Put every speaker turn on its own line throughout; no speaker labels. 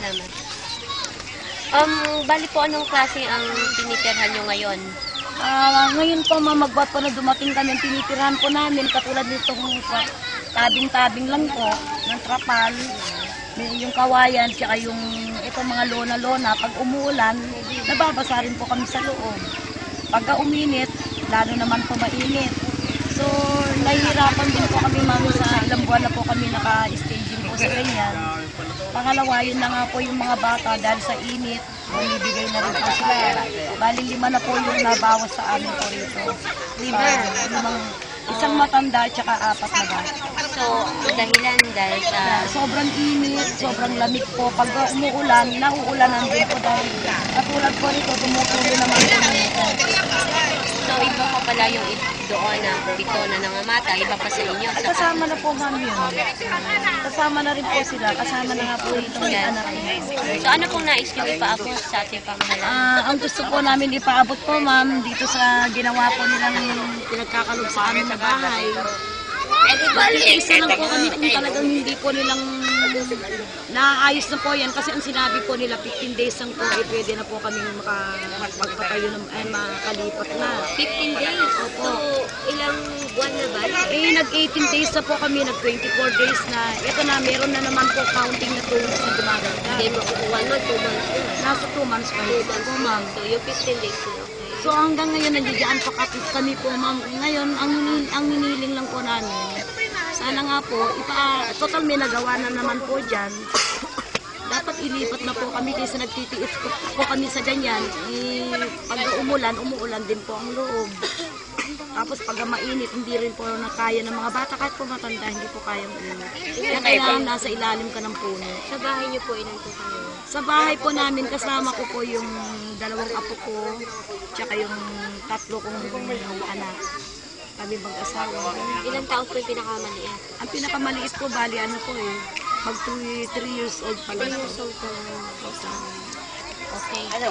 salamat. Bali po, anong klase ang tinitirhan nyo ngayon?
Ngayon po magbuhat po na dumating kami, tinitirahan po namin katulad nito kung tabing-tabing lang po ng trapal, yung kawayan, tsaka yung itong mga lona-lona. Pag umuulan, nababasa rin po kami sa loob. Pagka uminit, lalo naman po mainit. So, nahihirapan din po kami mami sa ilang buwan na po kami naka-staging po sa ganyan. Pangalawa, yun na nga po yung mga bata dahil sa init, bibigay na rin po sila. Bali 5 na po yung nabawas sa amin po rito. 5? Isang matanda at saka 4 na bata.
So, dahilan dahil sa...
Sobrang init, sobrang lamig po. Pag umuulan, nauulanan din po dahil katulad po rito, tumutuloy naman po nito.
So, iba pa pala yung doon na 7 na nangamata, iba pa sa inyo.
Kasama na po mami yun. Kasama na rin po sila. Kasama na nga po itong anak niya.
So, ano pong nais nyo ipaabot sa ating pamahalaan?
Ang gusto po namin ipaabot po ma'am, dito sa ginawa po nilang pinagkakalob sa amin na bahay. Bali, isa lang po kami kung talagang hindi po nilang naayos na po yan. Kasi ang sinabi po nila 15 days lang po, pwede na po kami magpatayo na makalipat na.
15 days?
Opo.
So, ilang buwan na ba?
Nag-18 days na po kami, nag-24 days na. Ito na, meron na naman po counting na 2 months na dumaganda.
Hindi mo 1 month, 2 months na.
Nasa 2 months pa rin po, ma'am.
So, yung 15 days na, okay.
So hanggang ngayon nandiyan pa kami po ma'am. Ngayon ang hiniling lang po namin. Sana nga po total may nagawa na naman po diyan. Dapat ilipat na po kami kasi nagtitiis po kami sa ganyan. Pag umuulan din po ang loob. Tapos pag mainit, hindi rin po nakaya ng mga bata. Kahit po matanda, hindi po kayang init. Kaya kailangan nasa ilalim ka ng puno.
Sa bahay niyo po, ilan po kayo?
Sa bahay po namin, kasama ko po yung 2 apo ko, tsaka yung 3 kong anak. Kami mag-asawa.
Ilang taon po yung pinakamaliit?
Ang pinakamaliit po, bali mag 3 years old pa lang.
3 years old pa lang. Okay. Ano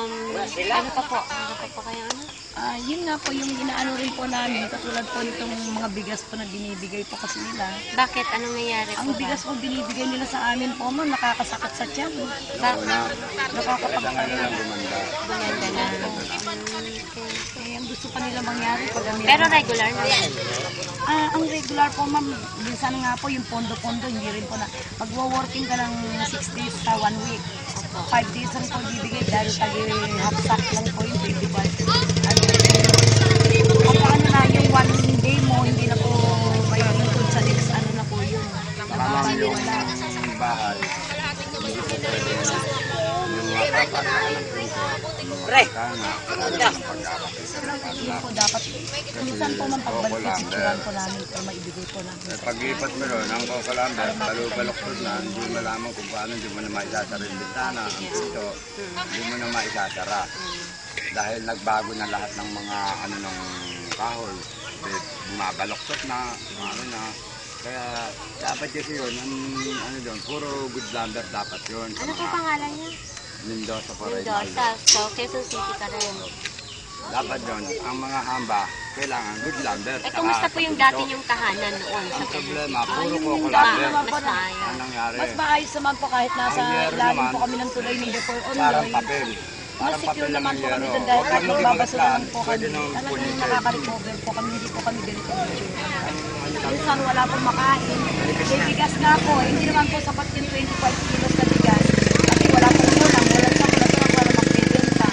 pa po? Ano pa po kayo ano?
Yun nga po yung inaano rin po namin, katulad po nitong mga bigas po na binibigay po kasi nila.
Bakit? Anong nangyari po?
Ang bigas po binibigay nila sa amin po, ma'am, nakakasakit sa tiyan. Nakakapagpapalala.
Bumenda na.
Ang gusto pa nila mangyari pag
Pero regular na yan?
Ang regular po, ma'am, minsan nga po yung pondo-pondo, hindi rin po na. Magwo-working ka ng 6 days sa 1 week. 5 days lang po bibigay dahil half sack lang po yung 25. Ano na, yung 1 day mo, hindi na po may include sa next, ano na po yun.
Tama yung bahay. Hindi po pwede na yung mga kapatid ng
Yun po dapat. Minsan po man pagbalik yung sitsuran po namin o maibigay po namin.
Pag-ipat mo doon, ang Kokalamber, balok-balok na, hindi mo malaman kung paano, hindi mo na maisasara yung bintana, ang pinto, hindi mo na maisasara. Dahil nagbago na lahat ng mga ng kahoy, mabaloktot na, ano na. Kaya dapat kasi yun, doon, puro good lumber dapat yun.
Ano po pangalan niya?
Mendoza po rin.
Mendoza. So, Quezon City ka rin.
Dapat yun, ang mga hamba, kailangan good lumber.
Kumusta po yung dati yung tahanan noon?
Ang problema, puro
Yung
Coco
dati
lumber.
naman po
Mas maayos.
Ang nangyari,
Mas maayos naman po kahit nasa
Ang meron
ilalim
naman,
po kami ng tulay ni Before
parang
Onloy.
papel.
Mas
Parang papel
secure
lang
naman
ang
po kami
yero.
doon dahil
Huwag
kahit
lang
magbabasurahan po
pwede
kami.
nang
Talagang
pulitin.
nakaka-recover po kami, hindi po kami ganito ang itsura. Minsan wala pong makain. May bigas nga po, hindi naman po sapat yung 25 kilos na bigas. Kasi wala pong ulam, wala magbibenta.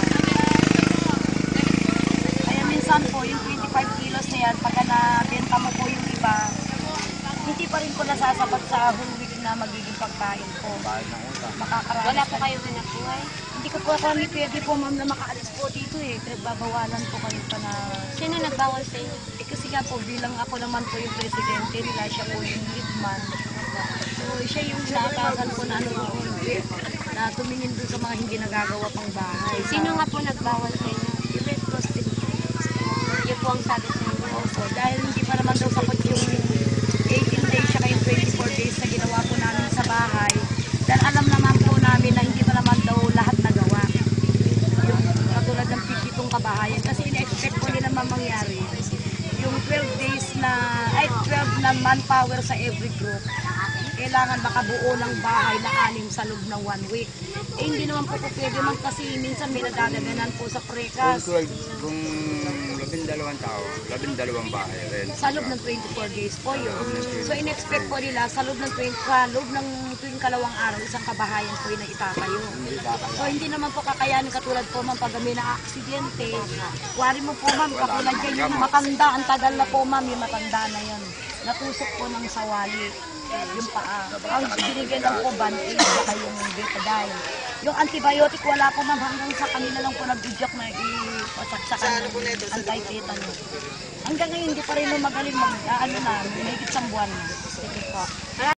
Kaya minsan po, yung 25 kilos na yan, pagka nabenta mo po yung iba, hindi pa rin po nasasapat sa whole week na magiging pagkain po. Makakarami.
Wala po kayo hanap buhay?
Hindi ko po kami pwede po ma'am na makaalis po dito eh. Pinagbabawalan po kami pa na...
Sino nagbawal sa inyo?
kasi nga po, bilang ako naman po yung presidente nila, siya po yung lead man. So siya yung inaatasan po na na tumingin dun sa mga hindi nagagawa pang bahay.
Sino nga po nagbawal sa inyo?
Yung Red Cross din.
Yun po ang sabi sa inyo.
Opo, dahil hindi pa naman daw sapat yung 18 days siya yung 24 days na ginawa po namin sa bahay. Dahil alam naman po namin na hindi pa naman daw lahat nagawa. Yung katulad ng 50 kabahayan. Kasi ina-expect po nila mangyari. Yung 12 days na, 12 na manpower sa every group. kailangan makabuo ng bahay na 6 sa loob ng 1 week. Eh, hindi naman po pwede man kasi minsan may nadadaganan po sa prekas.
Kung 12 tao, 12 bahay rin.
Sa loob ng 24 days po yun. So, in-expect po nila sa loob ng tuwing 2 araw, isang kabahayan po yun na itatayo. So, hindi naman po kakayanin katulad po ma'am pag may na-aksidente. Wari mo po ma'am, katulad yan yung matanda, ang tagal na po ma'am, yung matanda na yan. Natusok po ng sawali, yung paa. Ang binigyan lang po band-aid, saka yung betadine. Yung antibiotic, wala po ma'am, hanggang sa kanila lang po nag-ijok na ipasaksakan ng anti-tetanus. Hanggang ngayon, hindi pa rin mo magaling may higit 1 buwan na. Sige po.